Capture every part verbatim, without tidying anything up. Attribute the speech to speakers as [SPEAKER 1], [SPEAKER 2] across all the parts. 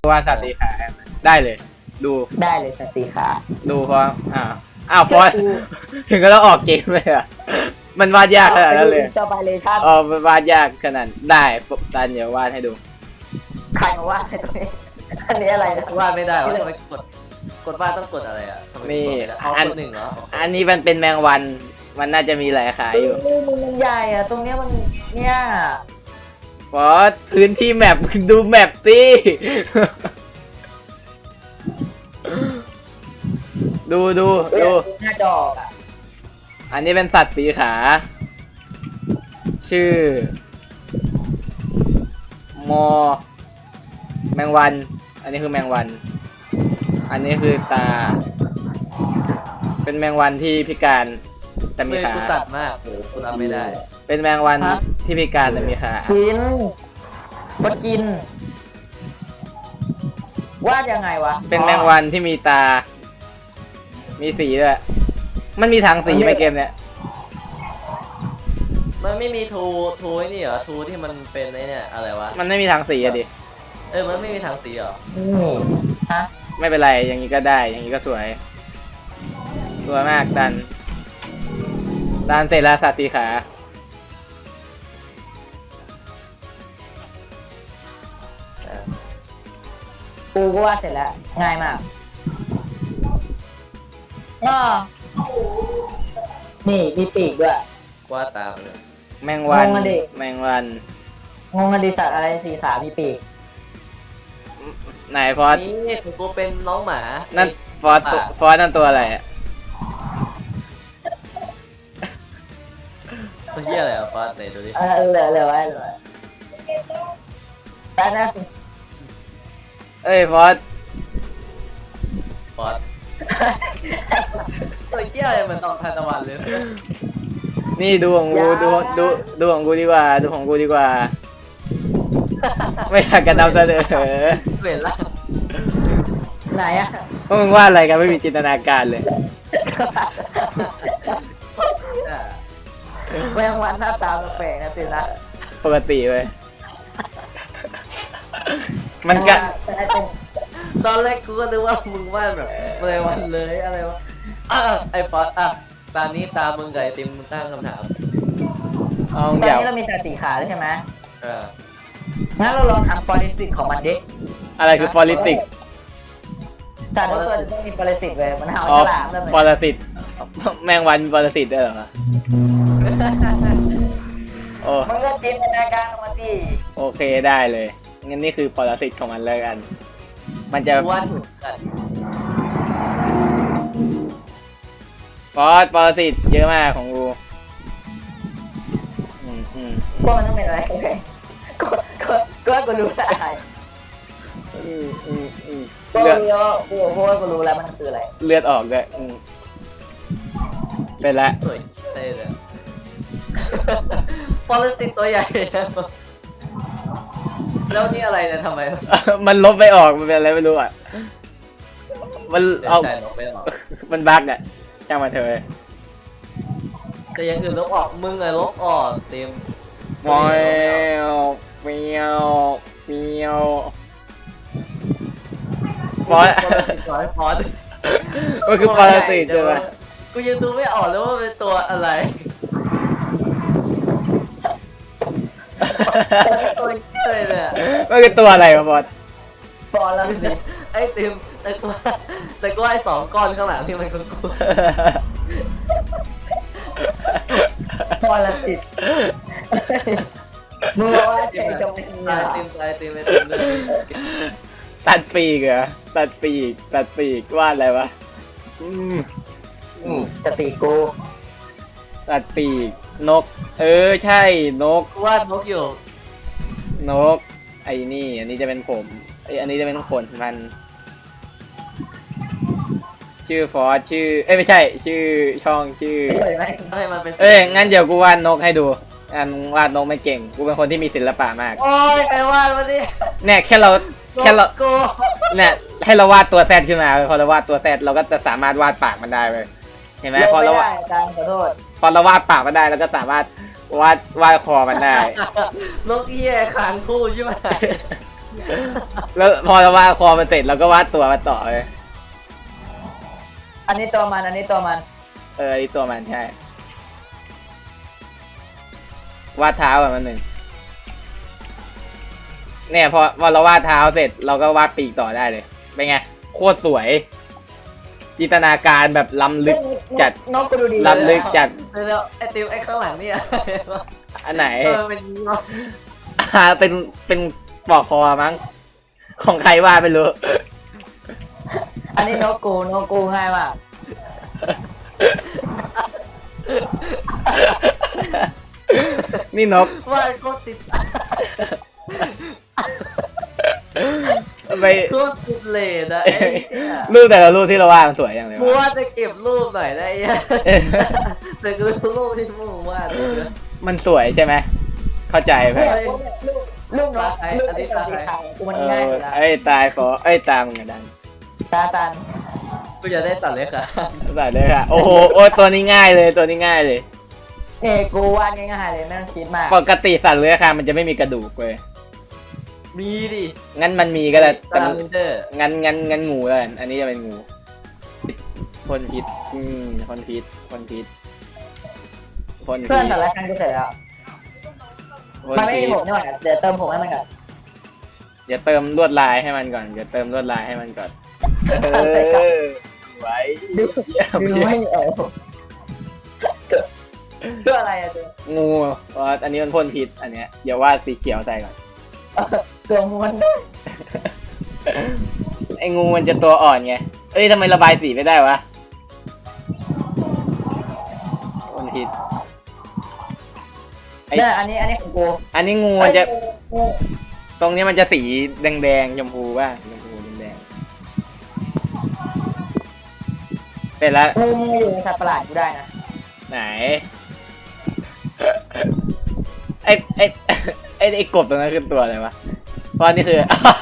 [SPEAKER 1] วาดสัตว์สีขาได้เลยดู
[SPEAKER 2] ได้เลยสัตว์สีขา
[SPEAKER 1] ดูเพราะอ้าวอ้าวฟอนถึงก็ต้องออกเกมเลยอ่ะมันวาดยากขนาดนั้นเลย
[SPEAKER 2] สบายเลยครับ
[SPEAKER 1] อ๋อมันวาดยากขนาดได้ตันเดี๋ยววาดให้ดู
[SPEAKER 2] ใครมาวาดให้ตรงนี้อันนี้อะไรนะ
[SPEAKER 3] วาดไม่ได้วะทำไมกดกดวาดต้องกดอะไรอ่ะ
[SPEAKER 1] นี่
[SPEAKER 3] อันหนึ่งเหรอ
[SPEAKER 1] อันนี้มันเป็นแมงวันมันน่าจะมีหลายขาอยู่
[SPEAKER 2] มันมันใหญ่อะตรงเนี้ยมันเนี่ย
[SPEAKER 1] ฟอสพื้นที่แมปดูแมปสิดูดูดู
[SPEAKER 2] หน้าจออ่ะ
[SPEAKER 1] อันนี้เป็นสัตว์สีขาชื่อมอแมงวันอันนี้คือแมงวันอันนี้คือตาเป็นแมงวันที่พิการแต่มีขา
[SPEAKER 3] สัตว์มากโอ้คุณทำไม่ได้
[SPEAKER 1] เป็นแมงวันที่พิการแต่มีขา
[SPEAKER 2] กินบดกินวาดยังไงวะ
[SPEAKER 1] เป็นแมงวันที่มีตามีสีด้วยมันมีทางสีไหมเกมเนี้ย
[SPEAKER 3] มันไม่มีทูทูนี่เหรอทูที่มันเป็นไอ้เนี่ยอะไรวะ
[SPEAKER 1] มันไม่มีทางสีอะดิ
[SPEAKER 3] เออมันไม่มีทางสีเหรอ
[SPEAKER 2] นี่ฮะ
[SPEAKER 1] ไม่เป็นไรอย่างนี้ก็ได้อย่างนี้ก็สวยสวยมากดันดันเสร็จแล้วสัตว์สีขา
[SPEAKER 2] กูก็วาดเสร็จแล้วง่ายมากอ๋อนี่มีปีกด้วย
[SPEAKER 3] วาดตามเลย
[SPEAKER 1] แมงวันแมงวัน
[SPEAKER 2] งงอดีสัตว์อะไรสีขามีปีก
[SPEAKER 1] ไหนฟอส
[SPEAKER 3] นี่กูเป็นน้องหมา
[SPEAKER 1] นั่นฟอสฟอสนั่นตัวอะไรอ่ะ
[SPEAKER 3] ตัวเหี้ยอะไรอ่ะฟอสไหนดูดิ
[SPEAKER 2] เออเหลือเหลือไว้เหลือแต่นะ
[SPEAKER 1] เอ้ยฟอส
[SPEAKER 3] ฟอสตัวเหี้ยอะไรมันตองทานตะวันเลย
[SPEAKER 1] นี่ดูของกูดูดูดูของกูดีกว่าดูของกูดีกว่าไม่อยากกระดำเสนอ
[SPEAKER 3] เห็นละ
[SPEAKER 2] ไหนอะ
[SPEAKER 1] พวกมึงว่าอะไรกันไม่มีจินตนาการเลย
[SPEAKER 2] แมงวันหน้าตาแปลกนะสินะ
[SPEAKER 1] ปกติเลยมันก็
[SPEAKER 3] ตอนแรกกูก็นึกว่ามึงวาดแบบแมงวันเลยอะไรวะไอ้ฟอสอ่ะตอนนี้ตามึงไก่ติมตั้งคำถาม
[SPEAKER 1] ตอน
[SPEAKER 2] นี้เรามีแต่สีขาใช่ไหม
[SPEAKER 3] เออ
[SPEAKER 2] งั้นเราลองทำ politics ของมันดิ
[SPEAKER 1] อะไรคือ politics
[SPEAKER 2] แต่ทุกคนต้องมี politics เลยมันเอาฉลามเลย
[SPEAKER 1] politics แมงวัน politics ได้เหรอโอ้
[SPEAKER 2] มันก็จินตนาการมาดิ
[SPEAKER 1] โอเคได้เลยงั้นนี่คือ politics ของมันเลยกันมันจะ
[SPEAKER 3] วาดถูกกัน
[SPEAKER 1] ฟอส politics เยอะมากของกูอืมอืม
[SPEAKER 2] ก็มันต้องเป็นอะไรก็ก็ก็กูรู้ได้
[SPEAKER 1] อืมอืมอืม
[SPEAKER 2] ก็รู้แล้วกูเพราะว่ากูรู้แล้วมันคืออะไร
[SPEAKER 1] เลือดออกด้วยอืมเป็นละ
[SPEAKER 3] สวยเท่เลยฟอลติตัวใหญ่แล้วนี่อะไรเนี่ยทำไม
[SPEAKER 1] มันลบไปออกมันเป็นอะไรไม่รู้อ่ะมันเอามันบั๊กอ่ะจ้างมาเถอะ
[SPEAKER 3] แต่ยังอื่นลบออกมึงเลยลบออกเต็ม
[SPEAKER 1] มอยเมียวเมียวฟอส
[SPEAKER 3] ฟอส
[SPEAKER 1] มันคือปรสิตใช่ไหม
[SPEAKER 3] กูยังดูไม่ออกเลยว่าเป็นตัวอะไรตัวเฉยเลย
[SPEAKER 1] มันคือตัวอะไรวะฟอส
[SPEAKER 2] ฟอสแล้วสิ
[SPEAKER 3] ไอ้เต็มแต่กูแต่กูไอ้สองก้อนข้างหลังที่มันกูกู
[SPEAKER 2] ฟอสแล้วสิมึงว่าใจจะไม่มี
[SPEAKER 3] อะไรเต็มใจเต็มไปเต็มเลย
[SPEAKER 1] สัตว์ปีกเหรอสัตว์ปีกสัตว์ปีกว่าอะไรวะอืม
[SPEAKER 2] อืมสัตว์ปีกกู
[SPEAKER 1] สัตว์ปีกนกเออใช่นก
[SPEAKER 3] วาดนกอยู่
[SPEAKER 1] นกไอ้นี่อันนี้จะเป็นผมไออันนี้จะเป็นขนมันชื่อฟอสชื่อเอ้ยไม่ใช่ชื่อช่องชื่อเอ้ยงั้นเดี๋ยวกูวาดนกให้ดูอันวาดนกไม่เก่งกูเป็นคนที่มีศิลปะมาก
[SPEAKER 3] โอ้ยไปวาดมาดิ
[SPEAKER 1] เนี่ยแค่เราแค่เราเนี่ยให้เราวาดตัวแซดขึ้นมาพอเราวาดตัวแซดเราก็จะสามารถวาดปากมันได้เลยเห็นไหมพอเราวาดพอเราวาดปากมันได้เราก็สามารถวาดวาดคอมันได้
[SPEAKER 3] นกเหี้ยคางคู่ใช่ไหม
[SPEAKER 1] แล้วพอเราวาดคอมันเสร็จเราก็วาดตัวมันต่อเลย
[SPEAKER 2] อันนี้ตัวมันอันนี้ตัวมัน
[SPEAKER 1] เออไอตัวมันใช่วาดเท้าแบบมันหนึ่งเนี่ยพอพอเราวาดเท้าเสร็จเราก็วาดปีกต่อได้เลยเป็นไงโคตรสวย จินตนาการแบบล้ำลึกจัด
[SPEAKER 2] นกก็ดูดี
[SPEAKER 1] ล้ำลึกจัด
[SPEAKER 3] เดี๋ยวไอ้ติมไอ้ข้างหลังเนี่ย
[SPEAKER 1] อันไหน
[SPEAKER 3] เออเป็นอย่างนี้วะ
[SPEAKER 1] อ่าเป็นเป็นปลอกคอมั้งของใครวาดไม่รู้
[SPEAKER 2] อันนี้นกกูนกกูง่ายมาก
[SPEAKER 1] นี่นก
[SPEAKER 3] ว่าโคตรติด
[SPEAKER 1] ไป
[SPEAKER 3] โคตรติดเลดอะไอ้เนี่ย
[SPEAKER 1] รูปแต่ละรูปที่เราวาดมันสวยอย่างเลย
[SPEAKER 3] กู
[SPEAKER 1] วะ
[SPEAKER 3] ว่าจะเก็บรูปหน่อยได้ยังแต่กูรูปที่มึงวาดเลยนะ
[SPEAKER 1] มันสวยใช่ไหมเข้าใจไหม
[SPEAKER 2] เนี่ยลูกลูกนกลูกไอ้ตัวสีขาวกูมัน
[SPEAKER 1] เอ
[SPEAKER 2] ง่าย
[SPEAKER 1] อ
[SPEAKER 2] อยู่แล้ว
[SPEAKER 1] ไอ้ตายขอไอ้ตามงอะดัน
[SPEAKER 2] ตาตัน
[SPEAKER 3] กูจะได้สัตว์เล็กอะ
[SPEAKER 1] ใส่เลยค่ะโอ้โหโอ้ยตัวนี้ง่ายเลยตัวนี้ง่ายเลย
[SPEAKER 2] เนี่ยกูวาดง่ายๆเลยไม่ต้องคิดมาก
[SPEAKER 1] ปกติสัตว์เลื้อยคลานมันจะไม่มีกระดูกเลย
[SPEAKER 3] มีดิ
[SPEAKER 1] งั้นมันมีก็ได้แต่
[SPEAKER 3] ตา
[SPEAKER 1] มัน
[SPEAKER 3] มเดอร์
[SPEAKER 1] งั้นงั้นงั้นงูแล้วกันอันนี้จะเป็นงูพ่นพิษอืมพ่นพิษพ่นพิษพ่นพิษ
[SPEAKER 2] เพื่อนแต่ละครั้งกูเสร็จแล้ว
[SPEAKER 1] พ่น
[SPEAKER 2] มันไม่
[SPEAKER 1] พิ
[SPEAKER 2] มี
[SPEAKER 1] ษ
[SPEAKER 2] ผมนี่หว่าเดี๋ยวเติมผมให้มันก่อน
[SPEAKER 1] อย่าเติมลวดลายให้มันก่อนอย่าเติมลวดลายให้มันก่อนเออไว้
[SPEAKER 2] ดู
[SPEAKER 1] เยี่ยม
[SPEAKER 2] ดู
[SPEAKER 1] เยี่ย
[SPEAKER 2] ไม่
[SPEAKER 1] ม
[SPEAKER 2] เอาเพื่ออะไรอะเจ๊
[SPEAKER 1] งูเพราะอันนี้มันพ่นพิษอันเนี้ยอย่าวาดสีเขียวใส่ก่อน
[SPEAKER 2] ตัวมัน
[SPEAKER 1] ไอ้งูมันจะตัวอ่อนไงเอ้ยทำไมระบายสีไม่ได้วะพ่นพิษ ไอ้
[SPEAKER 2] เนี่ยอันนี้อันนี้ของกู
[SPEAKER 1] อันนี้งูมันจะ
[SPEAKER 2] เอ้ยงู
[SPEAKER 1] ตรงนี้มันจะสีแดงๆชมพูบ้างชมพูแดงๆเสร็จแล้ว
[SPEAKER 2] งูมึงอยู่ในสัตว์ประหลาดกูได้นะ
[SPEAKER 1] ไหน ไอ้ไอ้ไอ้ไอ้กบตรงนั้นคือตัวอะไรวะเพราะนี่คือ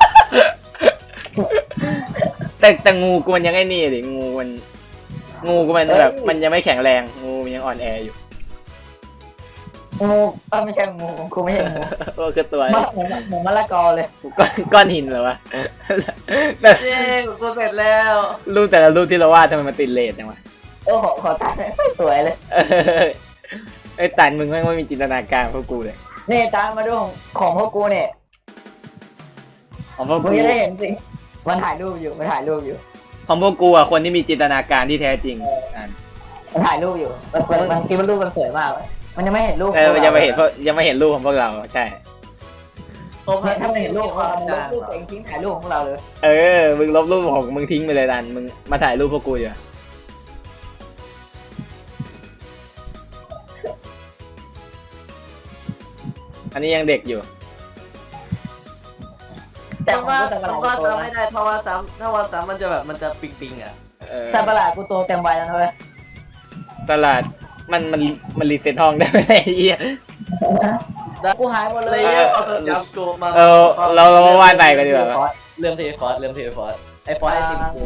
[SPEAKER 1] แต่แต่งูกูมันยังไอ้นี่ดิงูมัน งูกูมันแบบมันยังไม่แข็งแรง งูมันยังอ่อนแออยู่
[SPEAKER 2] งูเออไม่ใช่งูกูไม่ใช่งู
[SPEAKER 1] โอ้คือตัว
[SPEAKER 2] มะเหมือนเหมือนมะละกอเลย
[SPEAKER 1] ก้อนก้อนหินเหรอวะ แต่
[SPEAKER 3] เย้กูเสร็จแล้ว
[SPEAKER 1] รูปแต่ละรูปที่เราวาดทำไมมันติดเลทจังวะ
[SPEAKER 2] โอ้โหขอตายไม่สวยเลย
[SPEAKER 1] เออไอ้ตันมึงแม่งไม่มีจินตนาการพวกกูเลย
[SPEAKER 2] นี่ตามมาดูของของพวกกูเนี่ย
[SPEAKER 1] ของพวก
[SPEAKER 2] มึ
[SPEAKER 1] กู
[SPEAKER 2] งจะได้เห็นสิมันถ่ายรูปอยู่มันถ่ายรูปอยู่
[SPEAKER 1] ของพวกกูอ่ะคนที่มีจินตนาการที่แท้จริงอ่ะ
[SPEAKER 2] มันถ่ายรูปอยู่มันมันมันคิดว่ารูปมันสวยมากเลยมันยังไม่เห็นรูป
[SPEAKER 1] เออยังไม่เห็นพวกยังไม่เห็นรูปของพวกเราใช่
[SPEAKER 3] ผม
[SPEAKER 2] เนี่ยถ้ามันเห็นรูปของเรามันล
[SPEAKER 3] ก
[SPEAKER 2] บรูปตัวเองทิ้งถ่ายรูปของเราเลย
[SPEAKER 1] เออมึงลบรูปของมึงทิ้งไปเลยดันมึงมาถ่ายรูปพวกกูอยู่อันนี้ยังเด็กอยู่
[SPEAKER 2] แต่
[SPEAKER 3] แต่
[SPEAKER 2] ของ
[SPEAKER 3] ว่า
[SPEAKER 2] กูแต่ประห
[SPEAKER 3] แต่
[SPEAKER 2] ลาด
[SPEAKER 3] ว่า
[SPEAKER 2] กูโต
[SPEAKER 3] จำไม่
[SPEAKER 2] นะ
[SPEAKER 3] ได้ถ้าว่าซ้ำถ้าว่าซ้ำมันจะแบบมันจะปิงปิงๆอ่ะ
[SPEAKER 1] เออ
[SPEAKER 2] แต่ประหลาดกูโตเต็มวัยแล้วนะเว้ย
[SPEAKER 1] ตลาดมันมันมันรีเซ็ตห้องได้ไหมไอ้เหี้ย
[SPEAKER 2] กูหายหมดเล
[SPEAKER 3] เลย ยเอาตัวจับกูมา
[SPEAKER 1] เออเราเรามาวาดใหม่กันดีกว่าปะ
[SPEAKER 3] เรื่องเทฟอสเรื่องเทฟอสไอ้ฟอสไอ้ติมกู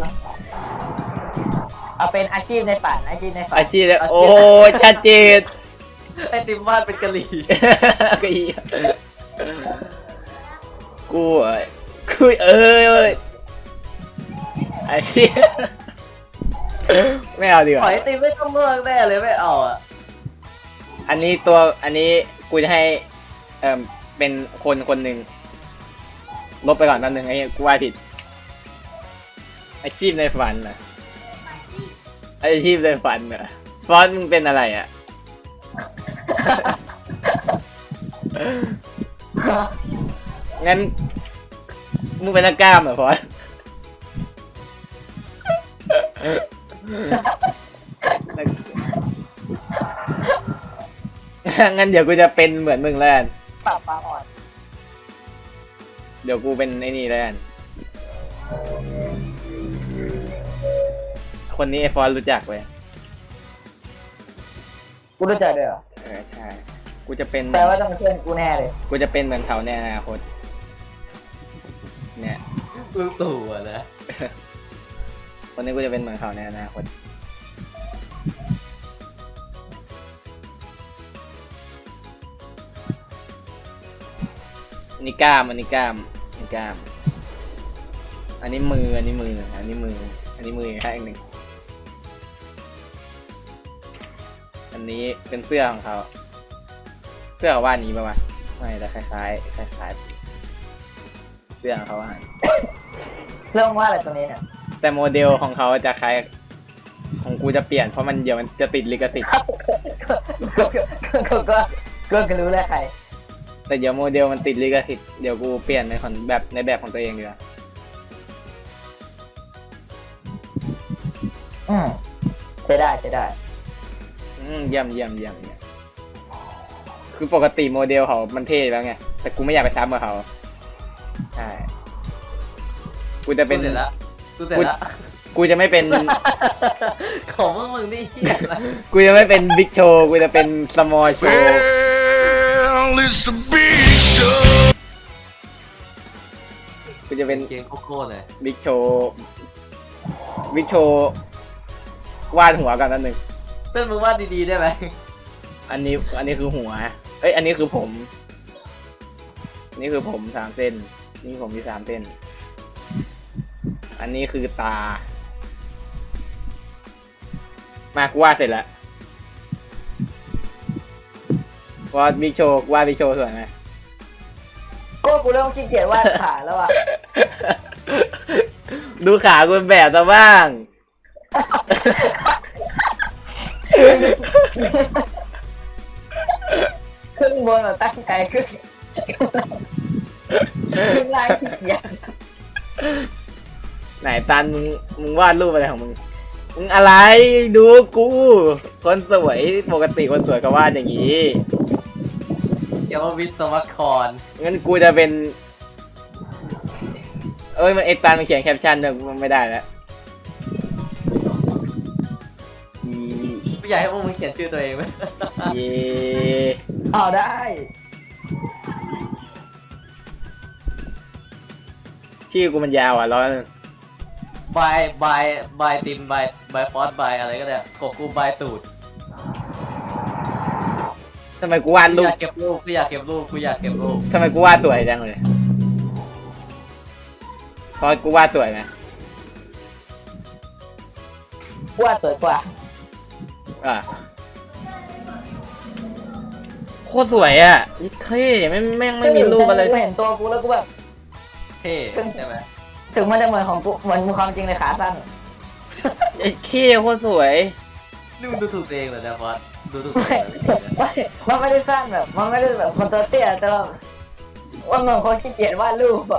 [SPEAKER 2] เอาเป็นอาชีพในฝันอาชีพในฝัน
[SPEAKER 1] อาชีพเนี่ยโอ้ชัดเจน
[SPEAKER 3] ไอ้ติมวาดเป็นกะหรี่
[SPEAKER 1] ก็อีกูอ่ะกูเอ้ยเอ้ยไอ้เหี้ยไม่เอาดีก
[SPEAKER 3] ขอ
[SPEAKER 1] ว่า
[SPEAKER 3] ไอ้ติมไม่ต้องเมืองแน่เลยไม่เอาอ่ะ
[SPEAKER 1] อันนี้ตัวอันนี้กูจะให้เอ่อเป็นคนคนหนึ่งลบไปก่อนตอนหนึ่งไอ้เหี้ยกูว่าผิดอาชีพในฝันเหรออาชีพในฝันเหรอฟอนต์มึงเป็นอะไรอ่ะ งั้นมึงเป็นนักกล้ามเหรอพอส งั้นเดี๋ยวกูจะเป็นเหมือนมึงแล้วกัน
[SPEAKER 2] ปรับปลาอ่อน
[SPEAKER 1] เดี๋ยวกูเป็นไอ้นี่แล้วกันคนนี้ไอ้ฟอนต์รู้จักเว้ย
[SPEAKER 2] กูรู้จักด้วยเหรอ
[SPEAKER 1] เออใช่ กูจะเป็น
[SPEAKER 2] แปลว่าต้องเป็นเพื่อนกูแน่เลย
[SPEAKER 1] กูจะเป็นเหมือนเขาในอนาคตเนี่ย
[SPEAKER 3] ลูกตู่อะนะ
[SPEAKER 1] คนนี้กูจะเป็นเหมือนเขาในอนาคตอันนี้กล้ามอันนี้กล้ามกล้ามอันนี้มืออันนี้มืออันนี้มืออันนี้มือข้างหนึ่งอันนี้เป็นเสื้อของเขาเสื้อเขาว่านี้ป่าวะไม่แต่คล้ายๆคล้ายๆเสื้อของเขาว่า
[SPEAKER 2] เรื่องว่าอะไรตรงนี้เนี่ย
[SPEAKER 1] แต่โมเดลของเขาจะคล้ายของกูจะเปลี่ยนเพราะมันเดี๋ยวมันจะติดลิขสิทธิ์
[SPEAKER 2] ก็ก็ก็ก็ก็รู้แล้วใคร
[SPEAKER 1] แต่เดี๋ยวโมเดลมันติดลิขสิทธิ์เดี๋ยวกูเปลี่ยนในของแบบในแบบของตัวเองดีกว่า
[SPEAKER 2] อืมใช้ได้ใช้ได้
[SPEAKER 1] อืมเยี่ยมเยี่ยมเยี่ยมเยี่ยมคือปกติโมเดลเขามันเท่แล้วไงแต่กูไม่อยากไปซ้ำกับเขาใช่กูจะ
[SPEAKER 3] กู
[SPEAKER 1] เป็น
[SPEAKER 3] เสร็จแล้วกูเสร็จแล้ว
[SPEAKER 1] กูจะไม่เป็น
[SPEAKER 3] ของมึงมึงนี่เหี้ยอะไร
[SPEAKER 1] กูจะไม่เป็นบิ๊กโชว์กูจะเป็นสมอลโชว์
[SPEAKER 4] Well, it's a big show.
[SPEAKER 1] กูจะเป็น
[SPEAKER 3] เก่งโคตรเลย
[SPEAKER 1] บิ๊กโชว์บิ๊กโชว์วาดหัวกันนั่นหนึ่ง
[SPEAKER 3] เต้นมึงวาดดีๆได้ไหม
[SPEAKER 1] อันนี้อันนี้คือหัวเอ้ยอันนี้คือผมอันนี้คือผมสามเส้นนี่ผมมีสามเส้นอันนี้คือตามากูวาดเสร็จแล้ววาดบิ๊กโชว์วาดบิ๊กโชว์สวยไหม
[SPEAKER 2] ก็กูเริ่มขี้เกียจวาดขาแล้วอ่ะ
[SPEAKER 1] ดูขากูเป็นแบบซะบ้าง
[SPEAKER 2] ขึ้นบนแบบตั้งใจขึ้นขึ้นล่างขี้เกียจ
[SPEAKER 1] ไหนตันมึงมึงวาดรูปอะไรของมึงมึงอะไรดูกูคนสวยปกติคนสวยก็วาดอย่างนี้
[SPEAKER 3] เกี่ยวกับวิศวกร
[SPEAKER 1] งั้นกูจะเป็น เอ้ยมันเอ็กตันมันเขียนแคปชั่นเนี่ยมันไม่ได้แล้วอี
[SPEAKER 3] ไม่อยากให้พวกมึงเขียนชื่อตัวเองไหม
[SPEAKER 1] เย
[SPEAKER 2] เอาได้
[SPEAKER 1] ชื่อกูมันยาวอ่ะร้อย
[SPEAKER 3] บายบายบายติมบายบายฟอสบายอะไรก็ได้ของกูบายตูด
[SPEAKER 1] ทำไมกูวาด
[SPEAKER 3] กู
[SPEAKER 1] รู
[SPEAKER 3] อ
[SPEAKER 1] ป
[SPEAKER 3] ยากเก็บรูปกูอยากเก็บรูปกูอยากเก็บรูป
[SPEAKER 1] ทำไมกูวาดสวยจังเลยเพราะกูวาดสวยไหม
[SPEAKER 2] วาดสวยกว่า
[SPEAKER 1] อ่ะโคตรสวยอ่ะเท่ไม่แม่งไม่มีรูปอะไร
[SPEAKER 2] กูเห็นตัวกูแล้วกูแบบ
[SPEAKER 3] เท่ใช่ไหม
[SPEAKER 2] ถึงมันจะเหมือนของกูเหมือนความจริงเลยขาสั้น
[SPEAKER 1] ไอ้เท่โคตรสวย
[SPEAKER 3] นี่มึงดูถูกตัวเองเหรอเนี่ยฟอสดูถูกตัว
[SPEAKER 2] ไม่
[SPEAKER 3] เองเหรอไม่
[SPEAKER 2] ไม่มันไม่ได้สั้นแบบ มันไม่ได้แบบมันตัวเตี้ยแต่ว่าว่าเหมือนคนขี้เกียจวาดรูปอะ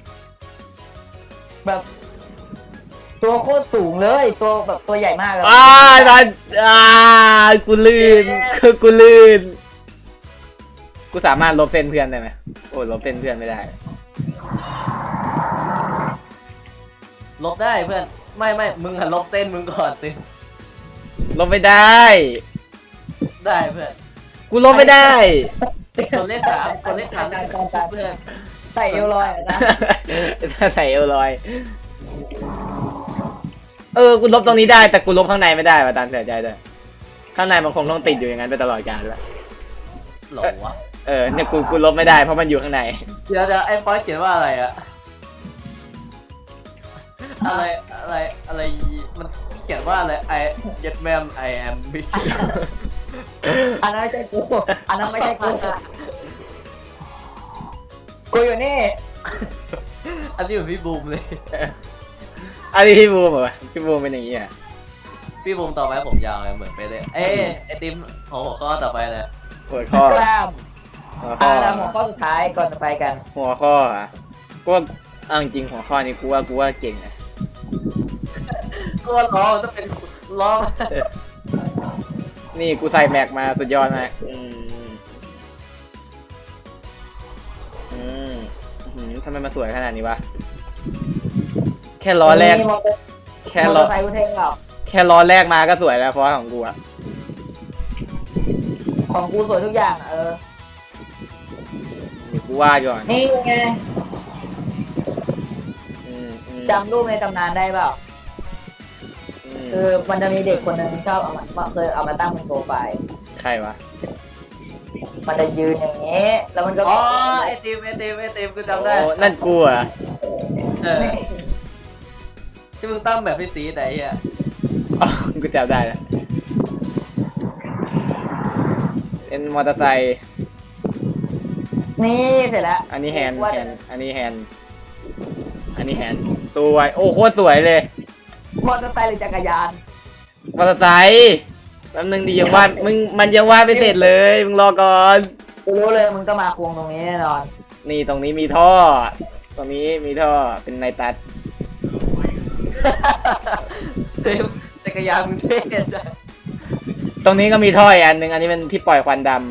[SPEAKER 2] แบบ ตัวโคตรสูงเลยตัวแบบตัวใหญ่มากเลย
[SPEAKER 1] อ้าดันอ่ากูลื่นคือกูลื่นกูสามารถลบเส้นเพื่อนได้ไหมโอ้ลบเส้นเพื่อนไม่ได้
[SPEAKER 3] ลบได้เพื่อนไม่ไม่มึงอะลบเส้นมึงก่อนสิ
[SPEAKER 1] ลบไม่ได้
[SPEAKER 3] ได้เพื่อน
[SPEAKER 1] กูลบไม่ได้
[SPEAKER 3] กดเลขสามกดเลขสามได้เพื่อน
[SPEAKER 2] ใส่เอวลอยอะนะ
[SPEAKER 1] ถ้าใส่เอลลอย เออ กูลบตรงนี้ได้ แต่กูลบข้างในไม่ได้ว่ะตามเสียใจด้วยข้างในมันคงต้องติดอยู่อย่างนั้นไปตลอดกาลแล้ว
[SPEAKER 3] หรอวะ
[SPEAKER 1] เออ เนี่ยกู กูลบไม่ได้เพราะมันอยู่ข้างใน
[SPEAKER 3] เดี๋ยวเดี๋ยวไอ้ฟอยเขียนว่าอะไรอะอะไรอะไรอะไรมันเขียนว่าอะไรไอเย็ดแมมไอแอมบิช
[SPEAKER 2] อันนั้นไม่ใช่กูอันนั้นไม่ใช่กูกูอยู่นี่
[SPEAKER 3] อันนี้เหมือนพี่บูมเลย
[SPEAKER 1] อันนี้พี่บูมเหรอพี่บูมเป็นอย่างนี้อ่ะ
[SPEAKER 3] พี่บูมต่อไปผมยาวเลยเหมือนไปเลยเอ้ไอติมของหัวข้อต่อไปเลย
[SPEAKER 1] หัวข้อก
[SPEAKER 2] ล้าม
[SPEAKER 1] หัวข้
[SPEAKER 2] อ่า
[SPEAKER 1] อ
[SPEAKER 2] แล้วหัวข้อสุดท้ายก่อนจะไปกัน
[SPEAKER 1] หัวข้ออ่ะกูว่าเอาจริงๆหัวข้อนี้กูว่ากูว่าเก่งนะ
[SPEAKER 3] ก็ว่าล้อมันต้องเป็นล้อ
[SPEAKER 1] นี่กูใส่แม็กมาสุดยอดมากอืมอืมอืมทำไมมันสวยขนาดนี้วะ แค่ล้อแรก
[SPEAKER 2] มีมอเตอร์
[SPEAKER 1] แค่
[SPEAKER 2] มอเต
[SPEAKER 1] ล้
[SPEAKER 2] อ
[SPEAKER 1] อ
[SPEAKER 2] ร์ไซค์กูเท่งเปล่า
[SPEAKER 1] แค่ล้อแรกมาก็สวยแล้วเพราะของกูอะ
[SPEAKER 2] ของกูสวยทุกอย่างเออ
[SPEAKER 1] นี่กูวาดก่อน
[SPEAKER 2] นี่ไง
[SPEAKER 1] อืมอืม
[SPEAKER 2] จำรูปในตำนานได้เปล่า
[SPEAKER 1] อืม
[SPEAKER 2] คือมันจะมีเด็กคนหนึ่งชอบเอามาเคยเอามาตั้งเป็นโปรไฟล์
[SPEAKER 1] ใครวะ
[SPEAKER 2] มันจะยืนอย่างเงี้ยแล้วมันก็
[SPEAKER 3] อ๋อไอติมไอติมไอติมกูจำได้
[SPEAKER 1] โอ้นั่นกูเหรอ่ะ
[SPEAKER 3] เออที่มึงตั้งแบบพี่สีไหนอ่ะ
[SPEAKER 1] อ๋อกูจำได้แล้วเป็นมอเตอร์ไซค์
[SPEAKER 2] นี่เสร็จแล้ว
[SPEAKER 1] อันนี้แฮนด์แฮนด์อันนี้แฮนด์อันนี้แฮนด์สวยโอ้โคตรสวยเลย
[SPEAKER 2] มอเตอร์ไซค์หรือจักรยาน
[SPEAKER 1] มอเตอร์ไซค์แป๊บนึงดิยังวาดมึงมันยังวาดไม่เสร็จเลยมึงรอก่อน
[SPEAKER 2] กูรู้เลยมึงก็มาควงตรงนี้แน่นอน
[SPEAKER 1] นี่ตรงนี้มีท่อ ตรงนี้มีท่อเป็นไนตัส
[SPEAKER 3] เต็มจักรยานมึงเท่จัง
[SPEAKER 1] ตรงนี้ก็มีท่ออีกอันหนึ่งอันนี้เป็นที่ปล่อยควันดำ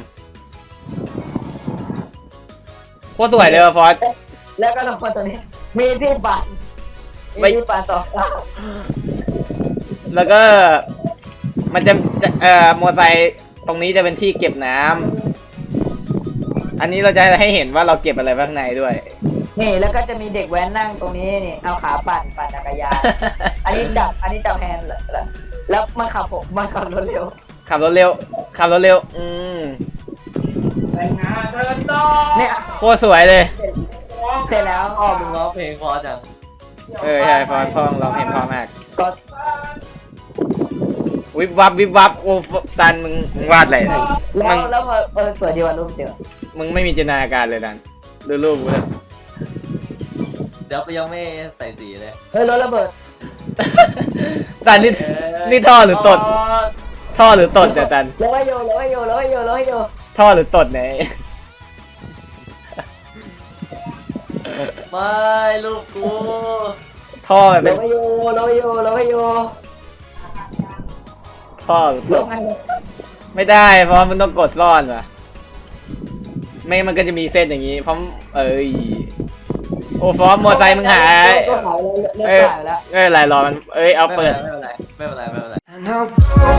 [SPEAKER 1] โคตรสวยเลยว่ะฟอส
[SPEAKER 2] แล้วก็ลงมาตรงนี้ มีที่ปั่น
[SPEAKER 1] ไม่
[SPEAKER 2] มีที่ปั่นต่อข้าง
[SPEAKER 1] แล้วก็มันจะจะเอ่อมอเตอร์ไซค์ตรงนี้จะเป็นที่เก็บน้ำอันนี้เราจะให้เห็นว่าเราเก็บอะไรข้างในด้วย
[SPEAKER 2] นี่แล้วก็จะมีเด็กแว้นนั่งตรงนี้นี่เอาขาปั่นปั่นจักรยาน อันนี้จับอันนี้จับแฮนด์เหรอแล้วมันขับผมมันขับรถเร็ว
[SPEAKER 1] ขับรถเร็ว ขับรถเร็ว อืม
[SPEAKER 2] เนี่ย
[SPEAKER 1] โคตรสวยเลย
[SPEAKER 2] เสร็จแล้ว
[SPEAKER 3] พ่อมึงร้องเพลงเพอจัง
[SPEAKER 1] เออใช่ฟอสพ่อเราเห็นพ่อมาก
[SPEAKER 2] ก็
[SPEAKER 1] วิบวับวิบวับโอ้ตันมึงมึงวาดอะไรเนี่ย
[SPEAKER 2] แล้
[SPEAKER 1] มึ
[SPEAKER 2] ว
[SPEAKER 1] ง
[SPEAKER 2] แล้วพอเออสวยดีวันรูปเจอ
[SPEAKER 1] มึงไม่มีจินตนาการเลยดันดูรูปกูเลย
[SPEAKER 3] เดี๋ยวกูยังไม่ใส่สีเลย
[SPEAKER 2] เฮ้ยรถระเบิด
[SPEAKER 1] ตันนี่นี่ท่อหรือตด ท่อหรือตดเนี่ยตัน
[SPEAKER 2] แล้วก็โยแล้วก็โยแล้วก็โยแล้วก็โย
[SPEAKER 1] ท่อหรือตดเนี่ย
[SPEAKER 3] ไม่ลูกกู
[SPEAKER 1] ท่อมัน
[SPEAKER 2] แล้
[SPEAKER 1] เป็
[SPEAKER 2] วน ก็โยแล้วก็โยแล้วก็โย
[SPEAKER 1] ท่อหรือต
[SPEAKER 2] แล้ว
[SPEAKER 1] ด
[SPEAKER 2] ไง
[SPEAKER 1] ไม่ได้เพราะมันต้องกดซ่อนว่ะไม่มันก็จะมีเส้นอย่างนี้เพราะเอ้ยโอ้ฟอร์มมอไซค์มึงหาย
[SPEAKER 2] ก็หายแล้วเลิก
[SPEAKER 1] เอ้ย
[SPEAKER 2] ขายแล้ว
[SPEAKER 1] ไม่เป็นไรรอมันเอ้ยเอา
[SPEAKER 3] ไม่
[SPEAKER 1] เปิ
[SPEAKER 3] เป็น
[SPEAKER 1] ด
[SPEAKER 3] ไรไม่เป็นไรไม่เป็นไรไม่เป็นไร
[SPEAKER 4] And I'll go